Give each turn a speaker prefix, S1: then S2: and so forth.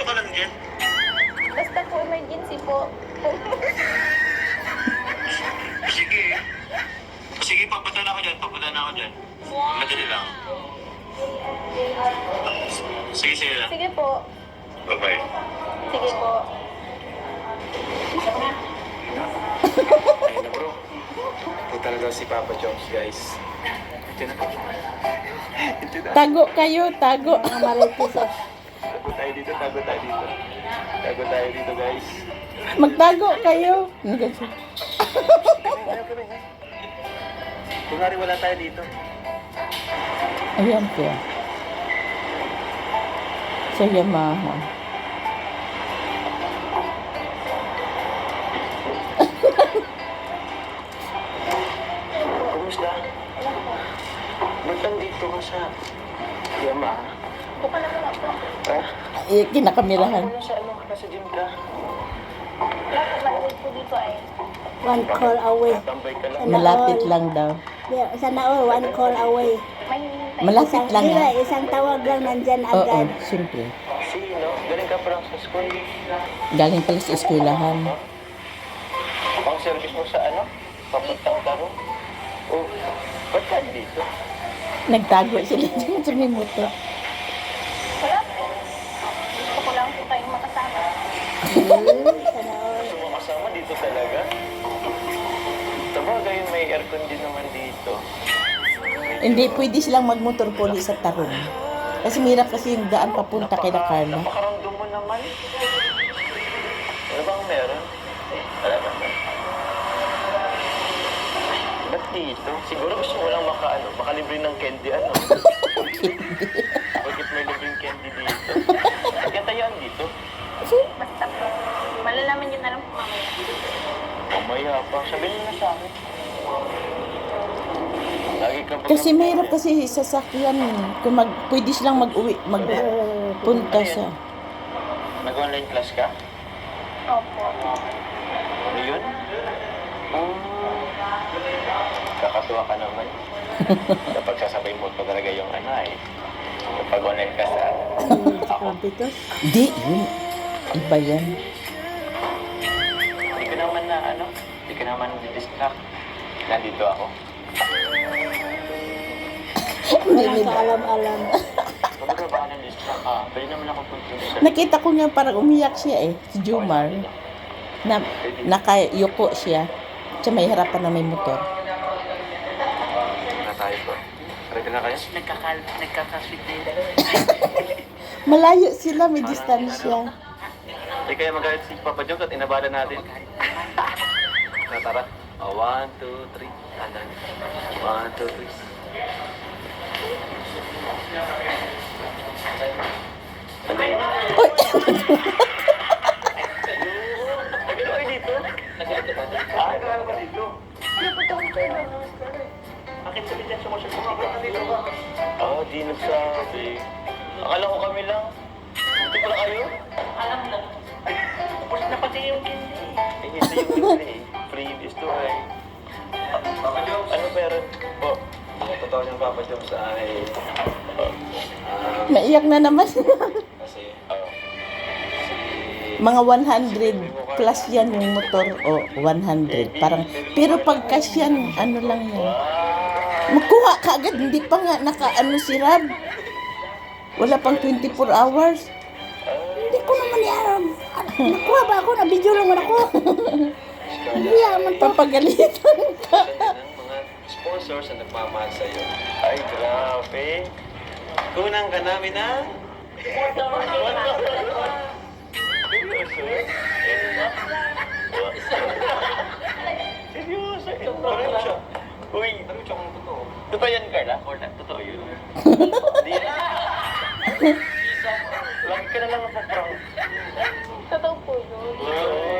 S1: ka lang dyan?
S2: Basta po emergency po.
S1: Sige. Sige, papunta na ako dyan. Papunta na ako dyan. Madali lang. Sige, sige lang.
S2: Sige po.
S1: Bye-bye.
S2: Sige po.
S3: Ayun na bro. Ito talaga si Papa Jones, guys. Ito na. Ito na.
S4: Tago kayo, tago.
S3: Tago tayo dito, tago tayo dito. Tago tayo dito, guys.
S4: Magtago kayo.
S3: Ano kami, ha? Kunwari wala tayo dito.
S4: Ayan po. Sa Yamaha.
S3: Kumusta? Ba't nandito ka sa Yamaha?
S2: Buka na muna po.
S3: Ha?
S4: Kinakamirahan.
S3: Ako sa ano, nasa gym ka.
S2: Bakit mailig po dito ay?
S5: One call away.
S3: Tambay ka lang.
S4: Malapit lang daw.
S5: Sana all, one call away.
S2: May hinihintay.
S4: Malapit lang
S5: Diba,
S4: ah.
S5: isang tawag lang nandyan
S4: Oo,
S5: agad.
S4: siyempre.
S3: Sino? Galing ka parang sa school.
S4: Galing pala sa eskwelahan.
S3: Ang service mo sa ano? Papuntang taro? Oh, ba't ka dito?
S4: Nagtago sila dyan sa may motor.
S2: Wala po. Gusto ko lang po kayong makasama.
S5: Sana all.
S3: Gusto mo kasama dito talaga? Sabagay, may aircon din naman dito.
S4: Hindi, pwede silang magmotor poli sa Tarong. Kasi mahirap kasi yung daan papunta kay na Carla.
S3: Napakaramdam mo naman. Ano bang meron? Wala naman. Ba't dito? Siguro gusto mo lang makalibre ng candy, ano? Bakit may libreng candy dito? Kaya tayo dito.
S2: Basta po. Malalaman yun na lang po mamaya.
S3: Mamaya pa. Sabihin mo na sa akin. Lagi ka ba-
S4: Kasi mahirap kasi sasakyan. Kung pwede silang mag-uwi, magpunta sa...
S3: Nag-online class ka?
S2: Opo.
S3: Ano yun? Kakatuwa ka naman. Kapag sasabay mo pa talaga yung ano eh. Kapag online class
S5: Sa Campitos.
S4: Di, yun. Iba yan.
S3: Hindi ka naman na ano, hindi ka naman distract. Nandito ako.
S5: Walang kaalam-alam.
S3: Kapag ka baka na-distract ka, pwede naman ako punta.
S4: Nakita ko nga parang umiyak siya eh. Si Jumar. Na, nakayuko siya. Siya may harapan na may motor.
S3: Na tayo po. Ready na kayo?
S6: Nagkakasweet na yun.
S4: Malayo sila, may distansya.
S3: Hindi kaya magalit si Papa Jones at inabala natin. Tara. 1, 2, 3. Anan. 1, 2, 3. Ano yun?
S4: Uy!
S3: Nagano kayo dito? Nagano ba? Nagano ba dito? Bakit sabi dyan sumusok sa dito? Di nagsabi. Akala ko kami lang. Dito pala kayo?
S6: Alam mo, tapos na pati yung candy.
S3: Hindi yung libre. Free is to ay. Ano meron? Po. Ang totoo niyang Papa Jones ay...
S4: Maiyak na naman.
S3: Kasi,
S4: Mga 100 plus yan yung motor. O, 100. Parang, pero pag cash yan, ano lang yan. Magkuha ka agad. Hindi pa nga naka-ano si Rab. Wala pang 24 hours.
S5: Hindi ko naman yan. Nakuha ba ako? Nabidyo naman ako. Hindi yaman to.
S4: Papagalitan ka.
S3: ng mga sponsors na nagmamahal sa'yo. Ay, grabe. Kunang ka namin na... Seryoso? Parang siya. Uy, totoo yan, Carla? Or totoo yun? Hindi yan. Lagi ka na lang napaprank.
S2: Totoo po yun.
S3: Oo.